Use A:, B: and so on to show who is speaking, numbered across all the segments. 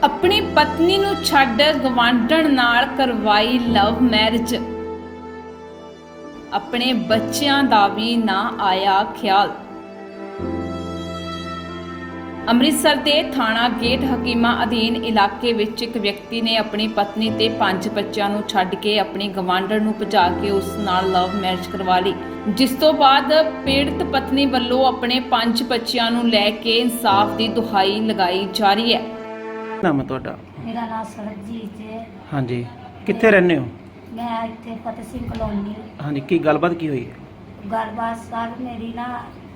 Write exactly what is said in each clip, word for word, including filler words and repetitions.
A: अपनी पत्नी नूं छड्ड गवांढण नाल करवाई लव मैरिज। अपने बच्चों का भी ना आया ख्याल। ਅੰਮ੍ਰਿਤਸਰ ਦੇ ਥਾਣਾ ਗੇਟ ਹਕੀਮਾ ਅਧੀਨ ਇਲਾਕੇ ਵਿੱਚ ਇੱਕ ਵਿਅਕਤੀ ਨੇ ਆਪਣੀ ਪਤਨੀ ਤੇ ਪੰਜ ਬੱਚਿਆਂ ਨੂੰ ਛੱਡ ਕੇ ਆਪਣੀ ਗਵਾਂਢਣ ਨੂੰ ਭਜਾ ਕੇ ਉਸ ਨਾਲ ਲਵ ਮੈਰਿਜ ਕਰਵਾ ਲਈ, ਜਿਸ ਤੋਂ ਬਾਅਦ ਪੀੜਤ ਪਤਨੀ ਵੱਲੋਂ ਆਪਣੇ ਪੰਜ ਬੱਚਿਆਂ ਨੂੰ ਲੈ ਕੇ ਇਨਸਾਫ ਦੀ ਦੁਹਾਈ ਲਗਾਈ ਜਾ ਰਹੀ ਹੈ।
B: ਨਾਮ ਹੈ ਤੁਹਾਡਾ?
C: मेरा नाम सरबजीत है।
B: ਹਾਂਜੀ, ਕਿੱਥੇ ਰਹਿੰਦੇ ਹੋ?
C: मैं इतने फतेह सिंह कॉलोनी।
B: ਹਾਂਜੀ, ਕੀ ਗੱਲਬਾਤ ਕੀ ਹੋਈ ਹੈ?
C: गलबात सर मेरी ना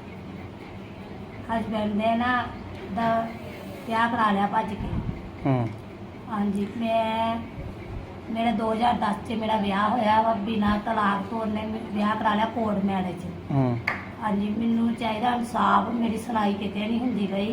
C: हसबैंड ने ना दा ब्याह करा लिया भज के।
B: ਹੂੰ
C: हाँ जी, मैं मेरा दो हज़ार दस च मेरा ब्याह होया वा बिना तलाक तो उन्हें ब्याह करा लिया कोर्ट मैरिज।
B: ਹੂੰ
C: हाँ जी, मैनू चाहिए इंसाफ। मेरी सुनाई किते नहीं हुंदी पई।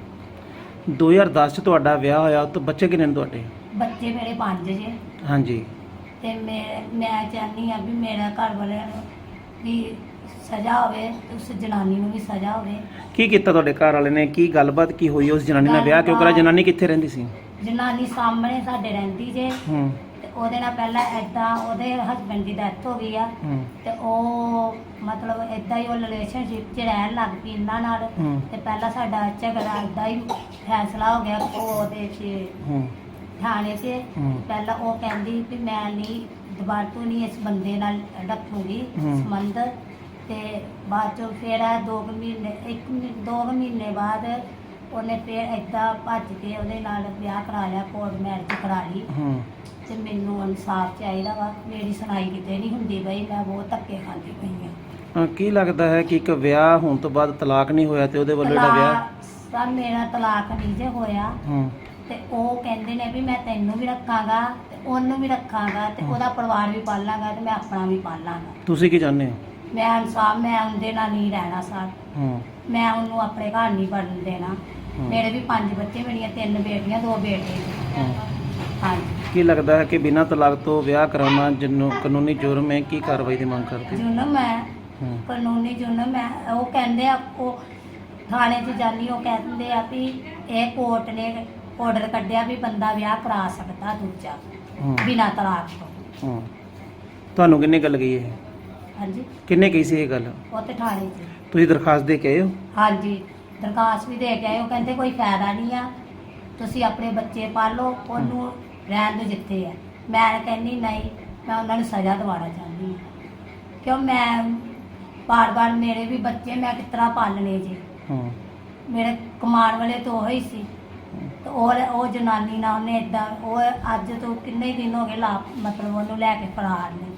B: ਦੋ ਹਜ਼ਾਰ ਦਸ ਚ ਤੁਹਾਡਾ ਵਿਆਹ ਹੋਇਆ ਤਾਂ ਬੱਚੇ ਕਿੰਨੇ ਨੇ ਤੁਹਾਡੇ?
C: बच्चे मेरे पांच जे
B: ਹਾਂਜੀ,
C: ते मैं मैं चाहनी हाँ भी मेरा घर वाले भी सजा होवे, उस जनानी नूं भी सजा होवे।
B: ਕੀ ਕੀਤਾ ਤੁਹਾਡੇ ਘਰ ਵਾਲੇ ਨੇ? ਕੀ ਗੱਲਬਾਤ ਕੀ ਹੋਈ? ਉਸ ਜਨਾਨੀ ਨਾਲ ਵਿਆਹ ਕਿਉਂ ਕਰਾ? ਜਨਾਨੀ ਕਿੱਥੇ ਰਹਿੰਦੀ ਸੀ?
C: ਜਨਾਨੀ ਸਾਹਮਣੇ ਸਾਡੇ ਰਹਿੰਦੀ ਜੇ
B: ਹੂੰ
C: ਤੇ ਉਹਦੇ ਨਾਲ ਪਹਿਲਾਂ ਐਦਾਂ ਉਹਦੇ ਹਸਬੰਡ ਦੀ ਡੈਥ ਹੋ ਗਈ ਆ
B: ਹੂੰ
C: ਤੇ ਉਹ ਮਤਲਬ ਐਦਾਂ ਹੀ ਉਹ ਰਿਲੇਸ਼ਨਸ਼ਿਪ 'ਚ ਰਹਿਣ ਲੱਗ ਪਈ ਇਹਨਾਂ ਨਾਲ।
B: ਹੂੰ
C: ਤੇ ਪਹਿਲਾਂ ਸਾਡਾ ਝਗੜਾ ਐਦਾਂ ਹੀ ਫੈਸਲਾ ਹੋ ਗਿਆ ਉਹ ਉਹਦੇ 'ਚ
B: ਹੂੰ
C: ਥਾਣੇ 'ਚ।
B: ਹੂੰ।
C: ਪਹਿਲਾਂ ਉਹ ਕਹਿੰਦੀ ਵੀ ਮੈਂ ਨਹੀਂ ਦੁਬਾਰਾ ਤੋਂ ਨਹੀਂ ਇਸ ਬੰਦੇ ਨਾਲ ਰੱਖੂਗੀ
B: ਹੂੰ।
C: ਸੰਬੰਧ। ਤੇ ਬਾਅਦ ਚੋਂ ਫਿਰ ਇਹ ਦੋ ਕੁ ਮਹੀਨੇ ਇੱਕ ਮਹੀ- ਦੋ ਕੁ ਮਹੀਨੇ ਬਾਅਦ ਉਹਨੇ ਫਿਰ ਏਦਾਂ ਭੱਜ ਕੇ ਉਹਦੇ ਨਾਲ ਵਿਆਹ ਕਰਾ ਲਿਆ, ਕੋਰਟ ਮੈਰਿਜ ਕਰਾ ਲਈ।
B: ਹੂੰ
C: ਤੇ ਮੈਨੂੰ ਇਨਸਾਫ ਚਾਹੀਦਾ ਵਾ। ਮੇਰੀ ਸੁਣਾਈ ਕਿਤੇ ਨਹੀਂ ਹੁੰਦੀ ਬਈ, ਮੈਂ ਬਹੁਤ ਧੱਕੇ ਖਾਂਦੀ ਪਈ ਹਾਂ।
B: ਅਹ ਕੀ ਲੱਗਦਾ ਹੈ ਕਿ ਇੱਕ ਵਿਆਹ ਹੋਣ ਤੋਂ ਬਾਅਦ ਤਲਾਕ ਨਹੀਂ ਹੋਇਆ ਤੇ ਉਹਦੇ ਵੱਲੋਂ ਜਿਹੜਾ ਵਿਆਹ?
C: ਤਲਾਕ ਸਰ ਮੇਰਾ ਤਲਾਕ ਨਹੀਂ ਜੇ ਹੋਇਆ
B: ਹੂੰ
C: ਤੇ ਉਹ ਕਹਿੰਦੇ ਨੇ ਵੀ ਮੈਂ ਤੈਨੂੰ ਵੀ ਰੱਖਾਂਗਾ ਤੇ ਉਹਨੂੰ ਵੀ ਰੱਖਾਂਗਾ ਤੇ ਉਹਦਾ ਪਰਿਵਾਰ ਵੀ ਪਾਲਾਂਗਾ ਤੇ ਮੈਂ ਆਪਣਾ ਵੀ ਪਾਲਾਂਗਾ।
B: ਤੁਸੀਂ ਕੀ ਚਾਹੁੰਦੇ ਹੋ?
C: ਮੈਂ ਇਨਸਾਫ, ਮੈਂ ਉਹਦੇ ਨਾਲ ਨਹੀਂ ਰਹਿਣਾ ਸਰ।
B: ਹੂੰ
C: ਮੈਂ ਉਹਨੂੰ ਆਪਣੇ ਘਰ ਨਹੀਂ ਵੜਨ ਦੇਣਾ।
B: ਹੂੰ।
C: ਮੇਰੇ ਵੀ ਪੰਜ ਬੱਚੇ, ਮੇਰੀਆਂ ਤਿੰਨ ਬੇਟੀਆਂ ਦੋ ਬੇਟੇ।
B: ਹੂੰ।
C: ਹਾਂਜੀ,
B: ਕੀ ਲੱਗਦਾ ਹੈ ਕਿ ਬਿਨਾਂ ਤਲਾਕ ਤੋਂ ਵਿਆਹ ਕਰਾਉਣਾ ਜਿਹਨੂੰ ਕਾਨੂੰਨੀ ਜੁਰਮ ਹੈ? ਕੀ ਕਾਰਵਾਈ ਦੀ ਮੰਗ ਕਰਦੇ ਹੋ?
C: ਜੁਰਮ ਹੈ,
B: ਹੂੰ
C: ਕਾਨੂੰਨੀ ਜੁਰਮ ਹੈ। ਉਹ ਕਹਿੰਦੇ ਆ, ਉਹ ਥਾਣੇ 'ਚ ਜਾਨੀ ਉਹ ਕਹਿੰਦੇ ਆ ਵੀ ਇਹ ਕੋਰਟ ਨੇ ਆਰਡਰ ਕੱਢਿਆ ਵੀ ਬੰਦਾ ਵਿਆਹ ਕਰਾ ਸਕਦਾ ਦੂਜਾ
B: ਹੂੰ
C: ਬਿਨਾਂ ਤਲਾਕ ਤੋਂ।
B: ਹੂੰ। ਤੁਹਾਨੂੰ ਕਿੰਨੇ ਗੱਲ ਗਈ ਇਹ?
C: ਹਾਂਜੀ,
B: ਕਿੰਨੇ ਕਹੀ ਸੀ ਇਹ ਗੱਲ?
C: ਉਹ ਤੇ ਥਾਣੇ 'ਚ।
B: ਤੁਸੀਂ ਦਰਖਾਸਤ ਦੇ ਕੇ ਆਏ ਹੋ?
C: ਹਾਂਜੀ, ਦਰਖਾਸਤ ਵੀ ਦੇ ਕੇ ਆਏ। ਉਹ ਕਹਿੰਦੇ ਕੋਈ ਫਾਇਦਾ ਨਹੀਂ ਆ, ਤੁਸੀਂ ਆਪਣੇ ਬੱਚੇ ਪਾਲੋ, ਉਹਨੂੰ ਰਹਿਣ ਦਿਓ ਜਿੱਥੇ ਆ। ਮੈਂ ਕਹਿੰਦੀ ਨਹੀਂ, ਮੈਂ ਉਹਨਾਂ ਨੂੰ ਸਜ਼ਾ ਦਿਵਾਉਣਾ ਚਾਹੁੰਦੀ ਹਾਂ। ਕਿਉਂ ਮੈਂ ਬਾਰ-ਬਾਰ ਮੇਰੇ ਵੀ ਬੱਚੇ ਮੈਂ ਕਿਸ ਤਰ੍ਹਾਂ ਪਾਲਣੇ ਜੀ।
B: ਹੂੰ
C: ਮੇਰੇ ਕਮਾਉਣ ਵਾਲੇ ਤਾਂ ਉਹ ਹੀ ਸੀ ਤੇ ਉਹ ਉਹ ਜਨਾਨੀ ਨਾਲ ਉਹਨੇ ਇਦਾਂ, ਉਹ ਅੱਜ ਤੋਂ ਕਿੰਨੇ ਦਿਨ ਹੋ ਗਏ ਲਾ ਮਤਲਬ ਉਹਨੂੰ ਲੈ ਕੇ ਫਰਾਰ ਨੇ।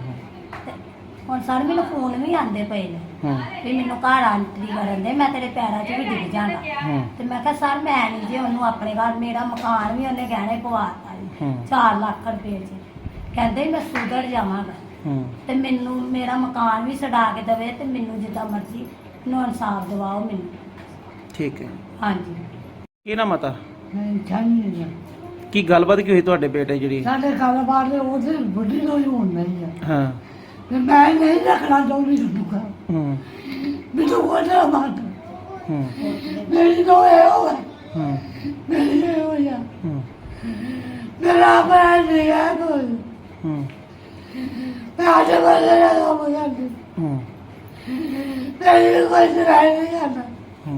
C: ਤੇ ਹੁਣ ਸਰ ਮੈਨੂੰ ਫੋਨ ਵੀ ਆਉਂਦੇ ਪਏ ਨੇ
B: ਹੂੰ
C: ਵੀ ਮੈਨੂੰ ਘਰ ਆਂਟਰੀ ਕਰਨ ਦੇ, ਮੈਂ ਤੇਰੇ ਪੈਰਾਂ 'ਚ ਵੀ ਡਿੱਗ ਜਾਣਾ।
B: ਹੂੰ
C: ਤੇ ਮੈਂ ਕਿਹਾ ਸਰ ਮੈਂ ਨਹੀਂ ਜੇ ਉਹਨੂੰ ਆਪਣੇ ਘਰ, ਮੇਰਾ ਮਕਾਨ ਵੀ ਉਹਨੇ ਗਹਿਣੇ ਪਵਾਤਾ
B: ਹੂੰ
C: ਚਾਰ ਲੱਖ ਰੁਪਏ 'ਚ। ਕਹਿੰਦੇ ਮੈਂ ਸੁਧਰ ਜਾਵਾਂਗਾ
B: ਹੂੰ
C: ਤੇ ਮੈਨੂੰ ਮੇਰਾ ਮਕਾਨ ਵੀ ਛਡਾ ਕੇ ਦੇਵੇ ਤੇ ਮੈਨੂੰ ਜਿੱਦਾਂ ਮਰਜ਼ੀ ਨੂੰ ਇਨਸਾਫ ਦਿਵਾਓ ਮੈਨੂੰ।
B: ਠੀਕ ਹੈ।
C: ਹਾਂਜੀ,
B: ਕੀ ਨਾ ਮਤਾ
D: ਚਾਹੀਏ
B: ਕੀ ਗੱਲਬਾਤ ਕੀ ਹੋਈ ਤੁਹਾਡੇ ਬੇਟੇ ਜਿਹੜੀ?
D: ਸਾਡੇ ਕਾਰੋਬਾਰ ਦੇ ਉਹਦੇ ਬੁੱਢੀ ਨੂੰ ਹੀ ਹੋਣ ਨਹੀਂ ਹੈ
B: ਹਾਂ
D: ਤੇ ਮੈਂ ਨਹੀਂ ਰੱਖਣਾ ਚਾਹੁੰਦੀ ਤੁਹਾਨੂੰ ਘਰ।
B: ਹੂੰ
D: ਮੈਨੂੰ ਉਹਦਾ ਮਾਤ
B: ਹੂੰ
D: ਮੇਰੀ ਤੋਂ ਇਹ ਹੋਇਆ,
B: ਹੂੰ
D: ਮੇਰੀ ਇਹ ਹੋਇਆ,
B: ਹੂੰ
D: ਮੇਰਾ ਆਪਣਾ ਨਹੀਂ ਹੈ ਕੋਈ।
B: ਹੂੰ
D: ਮੈਂ ਆਜੇ ਬੋਲੇ ਨਾ ਹੋ ਜਾਂਦੀ,
B: ਹੂੰ
D: ਮੇਰੀ ਕੋਈ ਸੁਣਾਈ ਨਹੀਂ ਕਰਦਾ।
B: ਹੂੰ।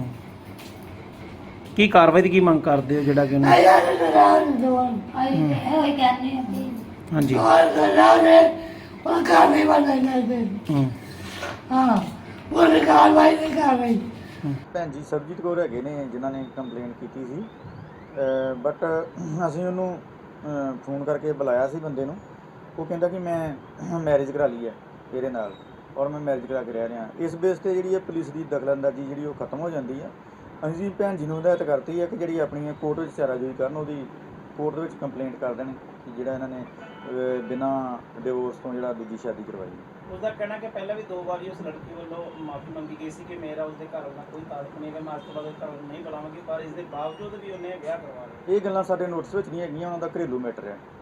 B: ਕੀ ਕਾਰਵਾਈ ਦੀ ਕੀ ਮੰਗ ਕਰਦੇ ਹੋ ਜਿਹੜਾ ਕਿ ਉਹਨੂੰ?
D: ਆਇਆ ਨਹੀਂ ਸੁਣਾਉਣ ਜਵਾਨ
C: ਅਸੀਂ ਤੇ ਇਹੋ ਹੀ ਕਹਿੰਦੇ ਹਾਂ ਵੀ
B: ਹਾਂਜੀ
D: और सुनाने वो कार्रवाई बनाई जाती।
B: ਹੂੰ
D: हाँ, वो कार्रवाई नहीं कर रही।
E: ਭੈਣ ਜੀ ਸਰਬਜੀਤ ਕੌਰ ਹੈਗੇ ਨੇ ਜਿਨ੍ਹਾਂ ਨੇ ਕੰਪਲੇਂਟ ਕੀਤੀ ਸੀ, ਬਟ ਅਸੀਂ ਉਹਨੂੰ ਅਹ, ਫੋਨ ਕਰਕੇ ਬੁਲਾਇਆ ਸੀ ਬੰਦੇ ਨੂੰ। ਉਹ ਕਹਿੰਦਾ ਕਿ ਮੈਂ ਮੈਰਿਜ ਕਰਾ ਲਈ ਹੈ ਇਹਦੇ ਨਾਲ ਔਰ ਮੈਂ ਮੈਰਿਜ ਕਰਾ ਕੇ ਰਹਿ ਰਿਹਾ। ਇਸ ਬੇਸ 'ਤੇ ਜਿਹੜੀ ਹੈ ਪੁਲਿਸ ਦੀ ਦਖਲਅੰਦਾਜ਼ੀ ਜਿਹੜੀ ਉਹ ਖਤਮ ਹੋ ਜਾਂਦੀ ਹੈ। ਅਸੀਂ ਜੀ ਭੈਣ ਜੀ ਨੂੰ ਹਦਾਇਤ ਕਰਤੀ ਹੈ ਕਿ ਜਿਹੜੀ ਆਪਣੀ ਕੋਰਟ ਵਿੱਚ ਚਾਰਾਜੋਈ ਕਰਨ, ਉਹਦੀ ਕੋਰਟ ਦੇ ਵਿੱਚ ਕੰਪਲੇਂਟ ਕਰ ਦੇਣ ਕਿ ਜਿਹੜਾ ਇਹਨਾਂ ਨੇ ਅਹ, ਬਿਨਾਂ ਡਿਵੋਰਸ ਤੋਂ ਜਿਹੜਾ ਦੂਜੀ ਸ਼ਾਦੀ ਕਰਵਾਈ।
F: उसका कहना कि पहले भी दो बार उस लड़की वालों माफ़ी मंगी गई सी कि मेरा उसके घर वाला कोई ताल्लुक नहीं है, मैं आज तो बाद घर नहीं बुलावांगी, पर इसके बावजूद भी उन्हें ब्याह करवा लिया।
E: ਇਹ ਗੱਲਾਂ ਸਾਡੇ ਨੋਟਿਸ ਵਿੱਚ ਨਹੀਂ ਹੈਗੀਆਂ, ਉਹਨਾਂ ਦਾ ਘਰੇਲੂ ਮੈਟਰ ਹੈ।